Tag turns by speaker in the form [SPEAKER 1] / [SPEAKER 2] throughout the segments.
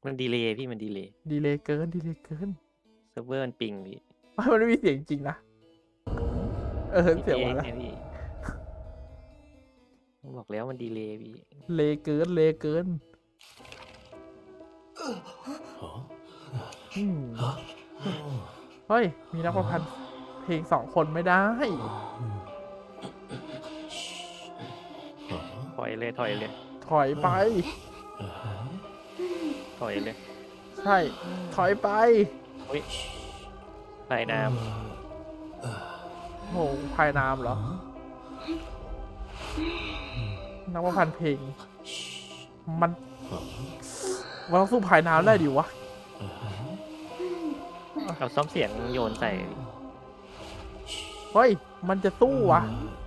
[SPEAKER 1] มันดีเลย์พี่มันดีเลย์
[SPEAKER 2] ดีเลยเกินดีเลยเกิน
[SPEAKER 1] เซิร์ฟเวอร์มันปิงพี่
[SPEAKER 2] มันไม่มีเสียงจริงนะเสียง
[SPEAKER 1] เอ
[SPEAKER 2] มาแล้ว
[SPEAKER 1] ไงพี่ผมบอกแล้วมันดีเลย์พี่
[SPEAKER 2] เลเกินเลเกินอืมเฮ้ยมีนักประพันธ์เพลง2 คนไม่ได้
[SPEAKER 1] ถอยเลยถอยเลย
[SPEAKER 2] ถอยไป
[SPEAKER 1] ถอยเลย
[SPEAKER 2] ใช่ถอยไป
[SPEAKER 1] อุ้ยสายน้
[SPEAKER 2] โหภายน้ำเหรอนักประพันธ์เพลงมันต้องสู้ภายน้ำได้ดิวะ
[SPEAKER 1] ำเอาซ้อมเสียงโยนใส่
[SPEAKER 2] เฮ้ยมันจะสู้วะ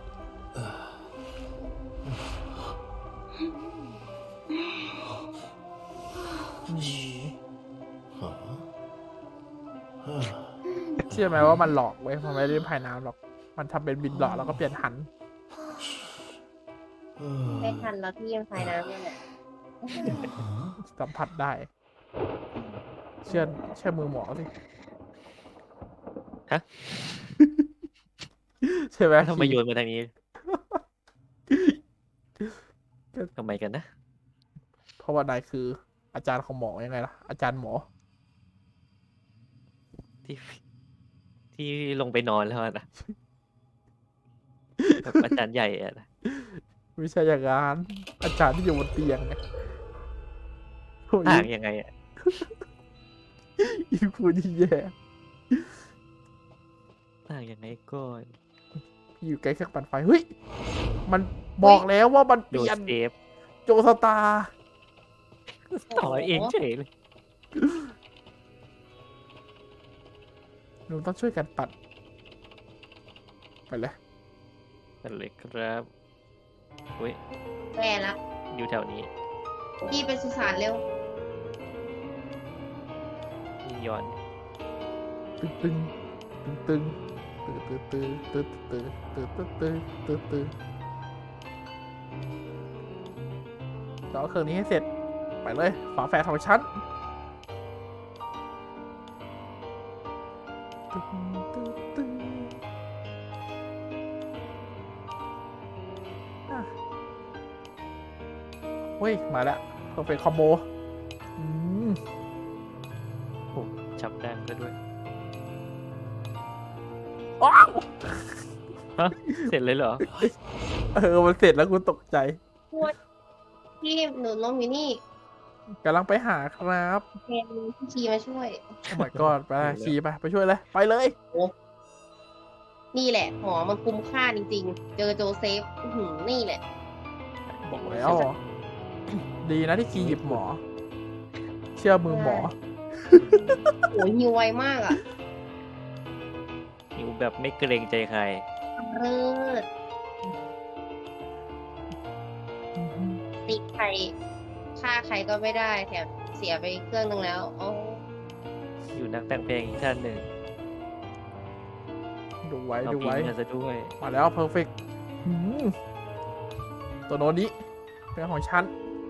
[SPEAKER 2] เชื่อไหมว่ามันหลอกเว้ยมันไม่ได้เล่นภายน้ำหรอกมันทำเป็นบินหลอกแล้วก็เปลี่ยนหัน
[SPEAKER 3] ไม่ทันแล้วพี่ยังพายน้ำเนี่ยแหละ
[SPEAKER 2] สัมผัสได้ เชื่อมือหมอสิ
[SPEAKER 1] ฮะ
[SPEAKER 2] ใช่ไหม
[SPEAKER 1] ทำไมโยนมาทางนี้ทำไมกันนะ
[SPEAKER 2] เพราะว่านายคืออาจารย์ของหมอยังไงล่ะอาจารย์หมอ
[SPEAKER 1] ที่ที่ลงไปนอนแล้วนะแบบอาจารย์ใหญ่อะนะ
[SPEAKER 2] ไม่ใช่อย่างนั้นอาจารย์ที่อยู่บนเตียงไงโอ้ย
[SPEAKER 1] ต่างยังไงอะ
[SPEAKER 2] อีพูดที่แย่
[SPEAKER 1] ต่างยังไงก่อน
[SPEAKER 2] อยู่ใกล้เครื่องปั่นไฟเฮ้ยมันบอกแล้วว่ามันเป
[SPEAKER 1] โดน
[SPEAKER 2] ลี่ยน
[SPEAKER 1] เซฟ
[SPEAKER 2] โจสตาร์
[SPEAKER 1] ต่อเองเฉยเลย
[SPEAKER 2] หนูต้องช่วยกันปั่นไปเลย
[SPEAKER 1] นั่นเลยครับอุ้ย
[SPEAKER 3] แย่ละ
[SPEAKER 1] อยู่แถวนี้
[SPEAKER 3] พี่ไปสุสานเร็ว
[SPEAKER 1] พี่ย้อน
[SPEAKER 2] ตึงตึงตึงตึงตึงตึงตึงตึงตึงตึงตึงตึงตึงต่อเครื่องนี้ให้เสร็จไปเลยฝาแฝดของฉันตึงตึงตึงเฮ้ยมาแล้วเพอร์เฟคคอมโบ
[SPEAKER 1] ฉับดังก็ด้วย
[SPEAKER 2] ว้าว
[SPEAKER 1] ฮะเสร็จเลยเหรอ
[SPEAKER 2] มันเสร็จแล้วกูตกใจ
[SPEAKER 3] พี่หนูล้มอยู่นี่
[SPEAKER 2] กำลังไปหาครับ
[SPEAKER 3] แทนพี่ชีมาช่วย
[SPEAKER 2] โอ้ my god ไปขี่ไปช่วยเลยไปเลย
[SPEAKER 3] นี่แหละหมอมันคุ้มค่าจริงๆ เจอโจเซฟนี่แหละ
[SPEAKER 2] บอกแล้วดีนะที่ขี่หยิบหมอ เชื่อมือหมอ
[SPEAKER 3] โอ้ยฮิวไวมากอ่ะ
[SPEAKER 1] อยู่แบบไม่เกรงใจใคร
[SPEAKER 3] เลิศตีใครฆ่าใครก็ไม่ได้แถมเสียไปเครื่องนึงแล้วโอ้
[SPEAKER 1] อยู่นักแต่งเพลงอีกท่านหนึ่ง
[SPEAKER 2] ดูไว้
[SPEAKER 1] เอา
[SPEAKER 2] ดู
[SPEAKER 1] พิง
[SPEAKER 2] ไว้
[SPEAKER 1] กันซะด้วย
[SPEAKER 2] มาแล้วเพอร์เฟกตัวโน้นนี้เป็นของฉัน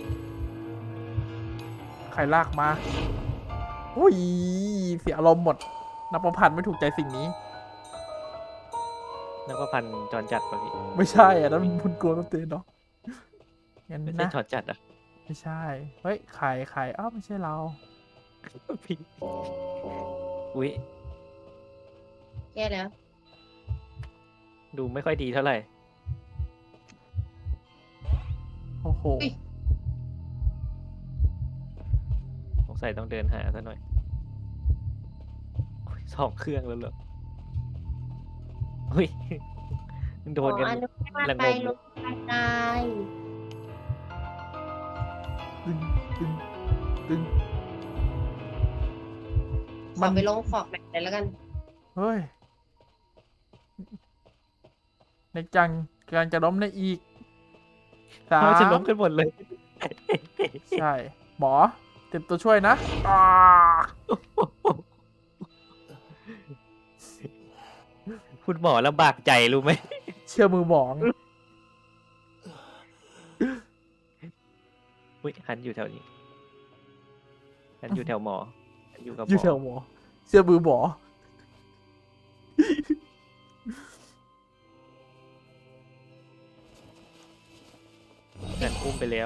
[SPEAKER 2] ใครลากมาโอ้ยเสียอารมณ์หมดนับประพันธ์ไม่ถูกใจสิ่งนี้
[SPEAKER 1] นักประพันธ์จรจัดป่ะพี่
[SPEAKER 2] ไม่ใช่อ่ะนั่นมันกลัวต้นเตียนเนาะงั้น
[SPEAKER 1] ไม่ใช่
[SPEAKER 2] นะ
[SPEAKER 1] จรจัดอ่ะ
[SPEAKER 2] ไม่ใช่ เฮ้ยใครอ้าวไม่ใช่เรา
[SPEAKER 1] พี่อุ้ย
[SPEAKER 3] แย่แล้ว
[SPEAKER 1] ดูไม่ค่อยดีเท่าไหร่
[SPEAKER 2] โอ้โห
[SPEAKER 1] สงสัยต้องเดินหาซะหน่อยโอ้ย2 เครื่องแล้วเหรออุ้ยโดนกัน
[SPEAKER 3] อนุญาต
[SPEAKER 1] ระ
[SPEAKER 3] ไป
[SPEAKER 1] งม
[SPEAKER 3] ลงไปตาย
[SPEAKER 2] ตึงตึงตึง
[SPEAKER 3] ขอไปลงฟอกแบบไหนแล้วกัน
[SPEAKER 2] เฮ้ยในจังกำลังจะล้มในอีกสา
[SPEAKER 1] เขาจะ
[SPEAKER 2] ม
[SPEAKER 1] ล้มกันหมดเลย
[SPEAKER 2] ใช่ หมอเตรียมตัวช่วยนะ
[SPEAKER 1] คุณหมอลำบากใจรู้ไหม
[SPEAKER 2] เชื่อมือหมอง
[SPEAKER 1] อุ้ยหันอยู่แถวนี้ฉันอยู่แถวหมอฉันอยู่กับห
[SPEAKER 2] อยู่
[SPEAKER 1] ม
[SPEAKER 2] แถ
[SPEAKER 1] อ
[SPEAKER 2] วหมอเสื้อมือหมอ
[SPEAKER 1] ฉันอุ้มไปแล้ว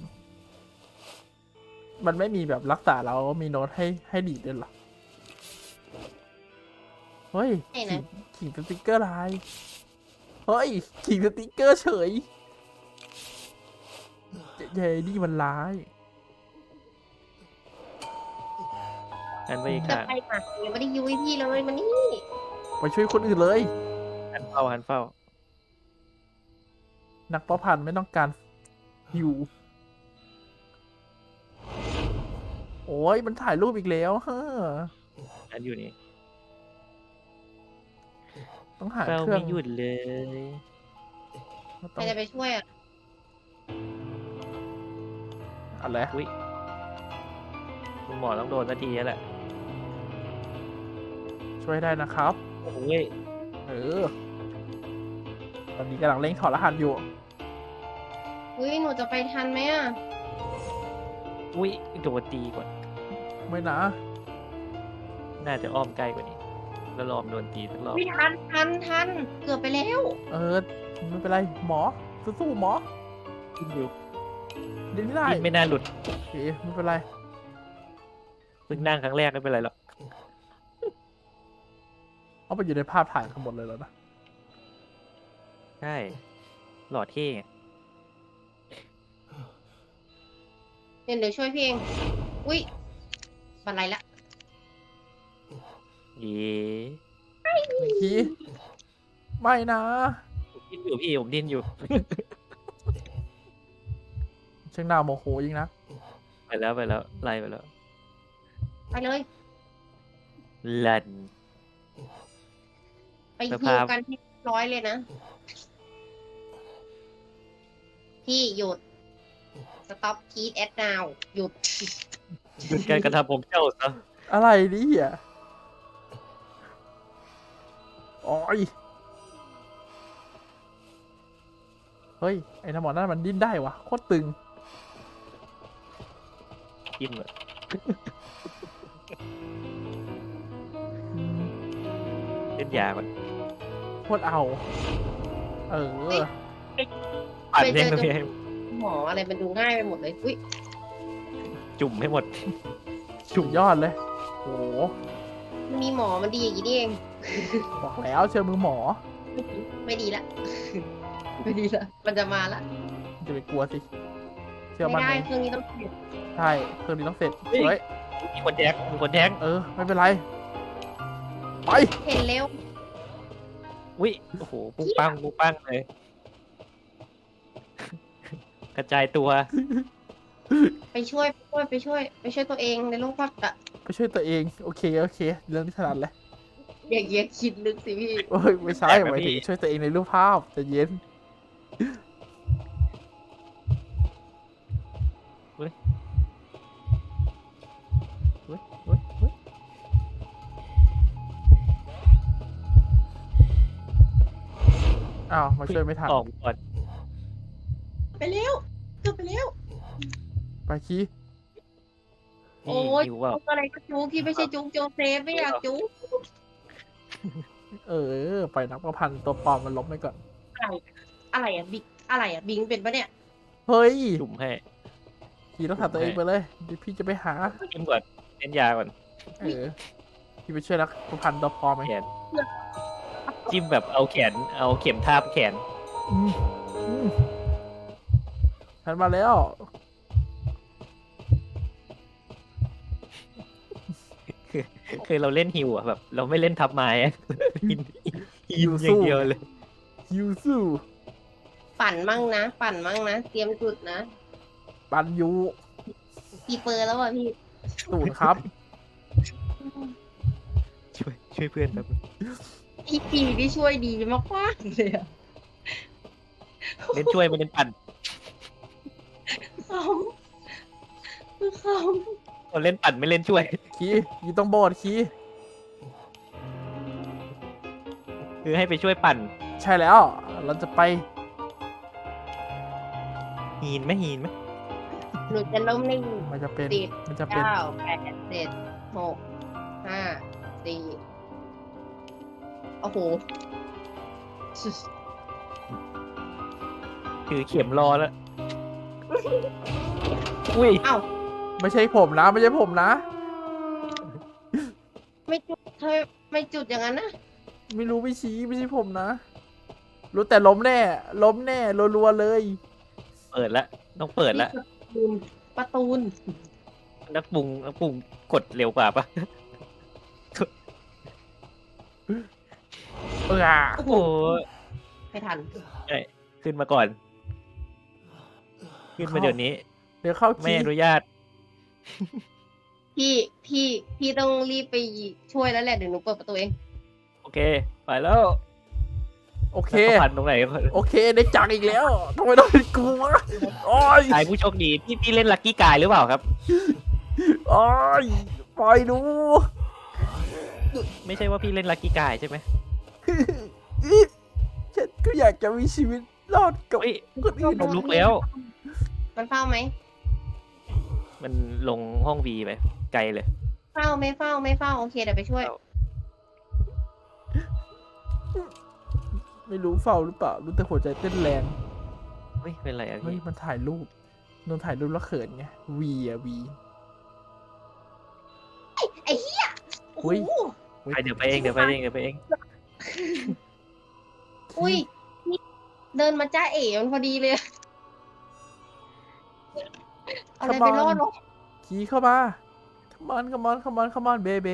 [SPEAKER 2] มันไม่มีแบบรักษาแล้วมีโน้ตให้ดีดด้วยเหรอ เฮ้ย
[SPEAKER 3] ไหนนะ
[SPEAKER 2] ขิงสติกเกอร์ลาย เฮ้ยขิงสติกเกอร์เฉยเย้นี่มันร้าย
[SPEAKER 1] ฉันไป
[SPEAKER 3] จะ
[SPEAKER 1] ค่ะ
[SPEAKER 3] ไปหายังไม่ได้ยุ้ยพี่เลยมันนี่
[SPEAKER 2] ไปช่วยคนอื่นเลย
[SPEAKER 1] หันเฝ้าหันเฝ้า
[SPEAKER 2] นักประพันธ์ไม่ต้องการอยู่ โอ้ยมันถ่ายรูปอีกแล้วฮะ
[SPEAKER 1] ฉันอยู่นี่
[SPEAKER 2] ต้องหา
[SPEAKER 1] เฝ้า
[SPEAKER 2] เครื่อง
[SPEAKER 1] ไม่หยุดเลย
[SPEAKER 3] ใครจะไปช่วยอ่ะ
[SPEAKER 2] อะไร
[SPEAKER 1] อุ้ยคุณหมอต้องโดนสักทีแล้วแหละ
[SPEAKER 2] ช่วยได้นะครับ
[SPEAKER 1] โอ้ย
[SPEAKER 2] เออ ตอนนี้กำลังเร่งถอดรหัสอยู่
[SPEAKER 3] อุ้ยหนูจะไปทันไหมอ่ะ
[SPEAKER 1] อุ้ยโดนตีก่อน
[SPEAKER 2] ไม่นะ
[SPEAKER 1] น่าจะอ้อมใกล้กว่านี้ แล้วรอมโดนตีสักรอบ
[SPEAKER 3] ไม่ทันเกือบไปแล้ว
[SPEAKER 2] เออ ไม่เป็นไร หมอ สู้ๆหมอ
[SPEAKER 1] กินอยู่
[SPEAKER 2] เดี๋ยวนี้ได้
[SPEAKER 1] กินไม่น่าหลุด
[SPEAKER 2] โอเค ไม่เป็นไร
[SPEAKER 1] เพิ่งนั่งครั้งแรกไม่เป็นไรหรอก
[SPEAKER 2] เอาไปอยู่ในภาพถ่ายทั้งหมดเลยแล้วนะ
[SPEAKER 1] ใช่หล่อเท่ไง
[SPEAKER 3] เดี๋ยวช่วยพี่เอง อุ้ยบันไลละ
[SPEAKER 1] เย้
[SPEAKER 2] คีไม่นะ
[SPEAKER 1] ผมดิ้นอยู่พี่ผมดิ้นอยู่
[SPEAKER 2] เชิงหน้าโมโหยิงนะ
[SPEAKER 1] ไปแล้วไล่ไปแล้ว
[SPEAKER 3] ไปเลย
[SPEAKER 1] ลัน
[SPEAKER 3] ไป
[SPEAKER 1] ส
[SPEAKER 3] ฮิ
[SPEAKER 1] ภาพ
[SPEAKER 3] วกันที่ร้อยเลยนะ พี่หยุด stop keep at now หยุด
[SPEAKER 1] หยุดการกระทำของเจ้าซะ
[SPEAKER 2] อะไรนี่อ่ะโอ้ย เฮ้ย ไอ้น้ำหมอนั่นมันดิ้นได้วะโคตรตึง
[SPEAKER 1] กินเลย
[SPEAKER 2] อืม
[SPEAKER 1] เล่นยาก่อน
[SPEAKER 2] โคตรเอา เออ
[SPEAKER 1] ปั่น
[SPEAKER 3] ไปเจ
[SPEAKER 1] เล่น
[SPEAKER 3] อ
[SPEAKER 1] ตรงนี้ให้
[SPEAKER 3] หมออะไรมันดูง่ายไปหมดเลย อุ้ย
[SPEAKER 1] จุ่มให้หมด
[SPEAKER 2] สุดยอดเลย โห
[SPEAKER 3] มีหมอมันดีอย่างนี้นี่เอง
[SPEAKER 2] บอกแล้วเชื่อมือหมอ
[SPEAKER 3] ไม่ดีละ ไม่ดีละ มันจะมาละ
[SPEAKER 2] จะไปกลัวสิ เชื่อ
[SPEAKER 3] ไม่
[SPEAKER 2] มัน
[SPEAKER 3] ได้
[SPEAKER 2] เอง
[SPEAKER 3] เครื่องนี้ต้องเปลี่ยน
[SPEAKER 2] ใช่เครื่องนี้ต้องเสร็จ
[SPEAKER 1] เฮ้ย
[SPEAKER 2] เฮ้ย
[SPEAKER 1] มีคนแท็ก
[SPEAKER 2] เออ ไม่เป็นไร ไป
[SPEAKER 3] เห็นเร็ว
[SPEAKER 1] อุ้ยโอ้โหปุ้งปังเลย กระจายตัว
[SPEAKER 3] ไปช่วยตัวเองในโลกภาพอะ
[SPEAKER 2] ไปช่วยตัวเอง โอเค โอเค เรื่องที่ถนัดเลย
[SPEAKER 3] อย่างเงี้ยคิดลึกสิพี่
[SPEAKER 2] โอ้ย ไม่ใช่
[SPEAKER 1] แปลกนะ
[SPEAKER 2] หมายถึง
[SPEAKER 1] พี่
[SPEAKER 2] ช่วยตัวเองในรูปภาพใจะเย็น
[SPEAKER 1] เฮ้ย
[SPEAKER 2] เฮ้ยเฮ้ยเฮ้ยอ้าว มาช่วยไม่ทัน
[SPEAKER 1] ออกก่อน
[SPEAKER 3] ไปเร็วเกือบไปเร็ว
[SPEAKER 2] ไปคี
[SPEAKER 3] โอ้
[SPEAKER 1] นี่
[SPEAKER 3] ย
[SPEAKER 1] หิวเปล่า
[SPEAKER 3] จุกอะไรก็จุกที่ไม่ใช่จุกโจเซฟไม่อยากจุก
[SPEAKER 2] เออ ไปนักประพันธ์ตัวปลอมมันล้มไปก่อน
[SPEAKER 3] อะไรอะบิ๊กอะไรอะบิงเป็นปะเนี่ย
[SPEAKER 2] เฮ้ย
[SPEAKER 1] จุ่มให้
[SPEAKER 2] คีต้องถามตัวเองไปเลยเดี๋ยวพี่จะไปหา
[SPEAKER 1] กินก่อนเล่นยาก่อน
[SPEAKER 2] เออ พี่ไปช่วยนักประพันธ์ตัวปลอมไหม
[SPEAKER 1] แขนจิ้มแบบเอาแขนเอาเข็มทาบแขน
[SPEAKER 2] อืมอืมฉันมาแล้ว
[SPEAKER 1] คือเราเล่นฮิวอะแบบ เราไม่เล่นทับไม้อะกินฮิวอย่างเดียวเลย
[SPEAKER 2] ยูซู
[SPEAKER 3] ปั่นมั่งนะ เตรียมจุดนะ
[SPEAKER 2] ปันยู
[SPEAKER 3] กี่เปอร์แล้วอะพี่
[SPEAKER 2] ตูนครับ
[SPEAKER 1] ช่วยเพื่อนแบบ
[SPEAKER 3] พี่ปีที่ช่วยดีมากๆเลยอะ
[SPEAKER 1] เล่นช่วยไม่เล่นปั่น
[SPEAKER 3] เขาคือเขา
[SPEAKER 1] เราเล่นปั่นไม่เล่นช่วย
[SPEAKER 2] คีอยู่ตรงโบสถ์คี
[SPEAKER 1] คือให้ไปช่วยปั่น
[SPEAKER 2] ใช่แล้ว เราจะไป
[SPEAKER 1] หีนไหม
[SPEAKER 3] หนูจะล้มนิ่ง
[SPEAKER 2] มันจะเป็น
[SPEAKER 3] 10
[SPEAKER 2] มันจะเป็น
[SPEAKER 3] 9 8 7 6 5 4โอ้โห
[SPEAKER 1] ถือเข็มรอแล้ว อุ้ย
[SPEAKER 3] เอ้า
[SPEAKER 2] ไม่ใช่ผมนะ ไม่ใช่ผมนะ
[SPEAKER 3] ไม่จุดเธอไม่จุดอย่างนั้นนะ
[SPEAKER 2] ไม่รู้ไม่ชี้ไม่ใช่ผมนะ รู้แต่ล้มแน่ ล้มแน่รัวๆเลย
[SPEAKER 1] เปิดละต้องเปิดละ
[SPEAKER 3] ประตูน
[SPEAKER 1] นักปรุงกดเร็วกว่าปะ
[SPEAKER 2] เออ
[SPEAKER 1] โอ้โห
[SPEAKER 3] ไม่ทัน
[SPEAKER 1] ขึ้นมาก่อน ขึ้นมาเดี๋ยวนี้
[SPEAKER 2] เดี๋ยวเข้า
[SPEAKER 1] ไม่
[SPEAKER 2] คี
[SPEAKER 1] อนุญาต
[SPEAKER 3] พี่ต้องรีบไปช่วยแล้วแหละเดี๋ยวหนูเปิดประตูเอง
[SPEAKER 1] โอเค ไปแล้ว
[SPEAKER 2] โอเค
[SPEAKER 1] แล้วเขาพันตรงไหน
[SPEAKER 2] โอเค ได้จังอีกแล้วทำไมต้องเป็นกูวะโอ้ย
[SPEAKER 1] ชายผู้โชคดีพี่เล่นลัคกี้กายหรือเปล่าครับ
[SPEAKER 2] โอ้ยปล่อยดู
[SPEAKER 1] ไม่ใช่ว่าพี่เล่นลัคกี้กายใช่ไหม
[SPEAKER 2] ฉันก็อยากจะมีชีวิตรอดกับ
[SPEAKER 1] เฮ้ย
[SPEAKER 2] คนอื่น
[SPEAKER 1] ผมลุกแล้ว
[SPEAKER 3] มันเฝ้าไหม
[SPEAKER 1] มันลงห้องวีไปไกลเลย
[SPEAKER 3] เฝ้าไม่เฝ้าไม่เฝ้าโอเคเดี๋ยวไปช่วย
[SPEAKER 2] ไม่รู้เฝ้าหรือเปล่า รู้แต่หัวใจเต้นแรง
[SPEAKER 1] เฮ้ยเป็นไรอะ
[SPEAKER 2] เฮ้ย
[SPEAKER 1] พี่
[SPEAKER 2] มันถ่ายรูปนนถ่ายรูปแล้วเขินไงวีอะวี
[SPEAKER 3] ไอ้เหี้ยโอ้โห
[SPEAKER 2] อุ๊ย
[SPEAKER 1] ไปเดี๋ยวไปเองเดี๋ยวไปเองเดี๋ยวไปเอง
[SPEAKER 3] อุ้ยนี่เดินมาจ้าเอ๋มันพอดีเลยเอาอะไรไปรอดวะ
[SPEAKER 2] ขี่เข้ามา come onเบ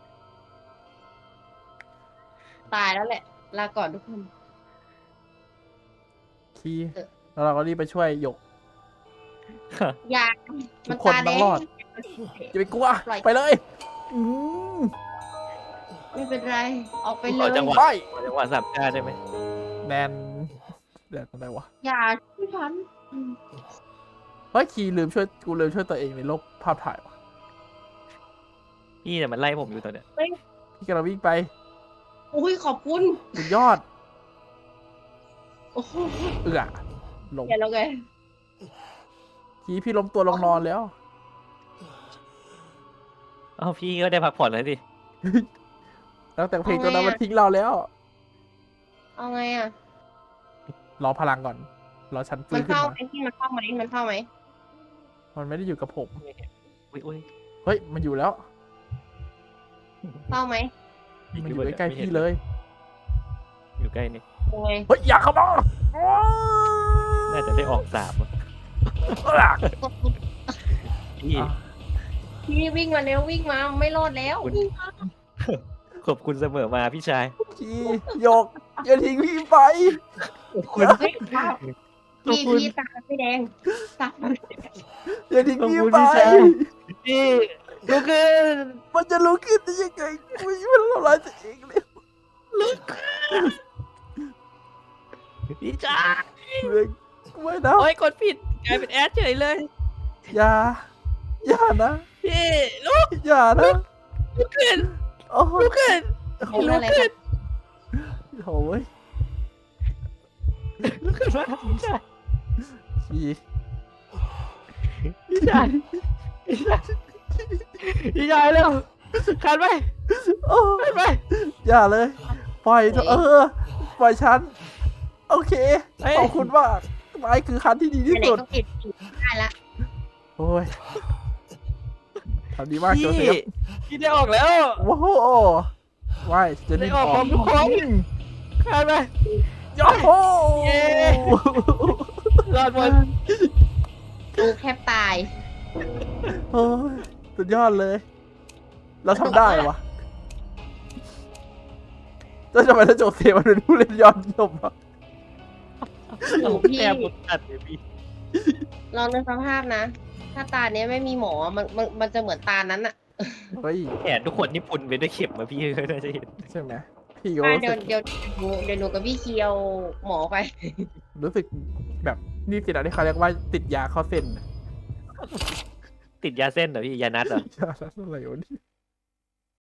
[SPEAKER 3] ตายแล้วแหละ ลาก่อนทุกคน
[SPEAKER 2] ขี่แล้วเราก็รีบไปช่วยหยก
[SPEAKER 3] อย่า
[SPEAKER 2] ทุ
[SPEAKER 3] มัน
[SPEAKER 2] กคน
[SPEAKER 3] ตาแด
[SPEAKER 2] ต้อง
[SPEAKER 3] ง
[SPEAKER 2] รอด อย่าไปกลัว
[SPEAKER 3] ปล่อย
[SPEAKER 2] ไปเลยอืม
[SPEAKER 3] ไม่เป็นไร ออกไป
[SPEAKER 1] ข
[SPEAKER 3] เล
[SPEAKER 1] อย จังหวะ
[SPEAKER 2] ไป
[SPEAKER 1] จังหวะสับก้าได้ไหม
[SPEAKER 2] แดนอะไรวะ
[SPEAKER 3] อย่าช่วยฉัน
[SPEAKER 2] เฮ้ยขี่ลืมช่วยตัวเองในโลกภาพถ่ายวะ
[SPEAKER 1] พี่เนี่ยมันไล่ผมอยู่ตอนเนี้ย
[SPEAKER 2] พี่กำลังวิ่งไป
[SPEAKER 3] อุ้ยขอบคุณ
[SPEAKER 2] สุดยอด
[SPEAKER 3] โอ้โห
[SPEAKER 2] ลง
[SPEAKER 3] อย่าแล้วไง
[SPEAKER 2] ขี่พี่ล้มตัวลงนอนแล้ว
[SPEAKER 1] เอ้าพี่ก็ได้พักผ่อนแล้วสิ
[SPEAKER 2] ตั้งแต่เพลงตัวนั้นมันทิ้งเราแล้ว
[SPEAKER 3] เอาไงอ่ะ
[SPEAKER 2] รอพลังก่อน รอฉันฟื้
[SPEAKER 3] มัน น
[SPEAKER 2] ขึ้น
[SPEAKER 3] เข้า
[SPEAKER 2] มา
[SPEAKER 3] ไหมที่มันเข้าไหมมันเข้าไหม
[SPEAKER 2] มันไม่ได้อยู่กับผม
[SPEAKER 1] อุ้ย
[SPEAKER 2] เฮ้ย มันอยู่แล้ว
[SPEAKER 3] เข้าไหม
[SPEAKER 2] มันอยู่ใกล้ๆพี่เลย
[SPEAKER 1] อยู่ใกล้นี่
[SPEAKER 3] ยังไง
[SPEAKER 2] เฮ้ย อยากเข้ามา
[SPEAKER 1] น่าจะได้ออก3อะ
[SPEAKER 3] กดปุ๊บ
[SPEAKER 1] พี่
[SPEAKER 2] อ่ะ
[SPEAKER 3] พี่วิ่งมาเร็ววิ่งมาไม่รอดแล้ว
[SPEAKER 1] คุณ
[SPEAKER 3] วิ่งมา
[SPEAKER 1] ขอบคุณเสมอมาพี่ชาย
[SPEAKER 2] ขี่หยก อย่าทิ้งพี่ไป
[SPEAKER 1] คุณ
[SPEAKER 3] เฮ้ยว้าวพี่ตาไม่แดงตา
[SPEAKER 2] อย่าทิ้ง
[SPEAKER 1] ขอบ
[SPEAKER 2] พี่
[SPEAKER 1] คุณ
[SPEAKER 2] ไป
[SPEAKER 1] พี่ชายพี่ลุกขึ้น
[SPEAKER 2] มันจะลุกขึ้นได้ยังไงมันทำร้ายตัวเองเลย
[SPEAKER 1] พี่ชาย
[SPEAKER 2] ไม่นะ
[SPEAKER 1] โอ้ยกดผิดกลายเป็นแอดเฉยเลย
[SPEAKER 2] อย่านะ
[SPEAKER 1] พี่ลุก
[SPEAKER 2] อย่านะ
[SPEAKER 1] ลุกขึ้น
[SPEAKER 2] โอ้โห
[SPEAKER 1] ลุกขึ้น
[SPEAKER 3] โอ้ยอะไรกัน
[SPEAKER 2] โอ้ย
[SPEAKER 1] ลุกขึ้นมาพี่ชาย
[SPEAKER 2] ขี่
[SPEAKER 1] พี่ชายพี่ชายพี่ชายเร็วขันไป
[SPEAKER 2] โอ้
[SPEAKER 1] ขันไป
[SPEAKER 2] อย่าเลย ปล่อยเถอะปล่อยฉัน โอเค
[SPEAKER 1] เฮ้ย
[SPEAKER 2] ขอบคุณมากไม้คือคันที่ดีที่
[SPEAKER 3] ไหน
[SPEAKER 2] สุด
[SPEAKER 3] ๆก็ปิดได้ละ
[SPEAKER 2] โอ้ยทำดีมาก
[SPEAKER 1] พี่
[SPEAKER 2] โจเซฟ
[SPEAKER 1] พี่ได้ออกแล้ว
[SPEAKER 2] โอ้โหไม่จะ
[SPEAKER 1] ได้
[SPEAKER 2] รีบ
[SPEAKER 1] ออกพร้อมทุกคนขันไป
[SPEAKER 2] โอ้โห
[SPEAKER 1] เย้ รอดหมด
[SPEAKER 3] ดูแคบตาย
[SPEAKER 2] โอ้ยสุดยอดเลย เราทำได้วะแล้วทำไมถ้าโจเซฟมันเป็นผู้เล่นยอดเยี่ยมวะ
[SPEAKER 3] โอ้พี่
[SPEAKER 1] แอบหมดตัดเลยพี่
[SPEAKER 3] ลองนึกสภาพนะ ถ้าตาเนี้ยไม่มีหมอมันจะเหมือนตานั้นอะ
[SPEAKER 2] เฮ้ย
[SPEAKER 1] แขนทุกคนนี่ปุ่นไปด้วยเข็มมาพี่ก็น่าจะเห็น
[SPEAKER 2] ใช่ไหมพี่ก็
[SPEAKER 3] เดี๋ยว
[SPEAKER 2] รู้สึก
[SPEAKER 3] เดี๋ยวเดี๋ยวหนูกับพี่เคียวหมอไป
[SPEAKER 2] รู้สึกแบบนี่สินะที่เขาเรียกว่าติดยาเข้าเส้น
[SPEAKER 1] ติดยาเส้นเหรอพี่ยานัดเหรอ
[SPEAKER 2] ยาอะไรวะนี่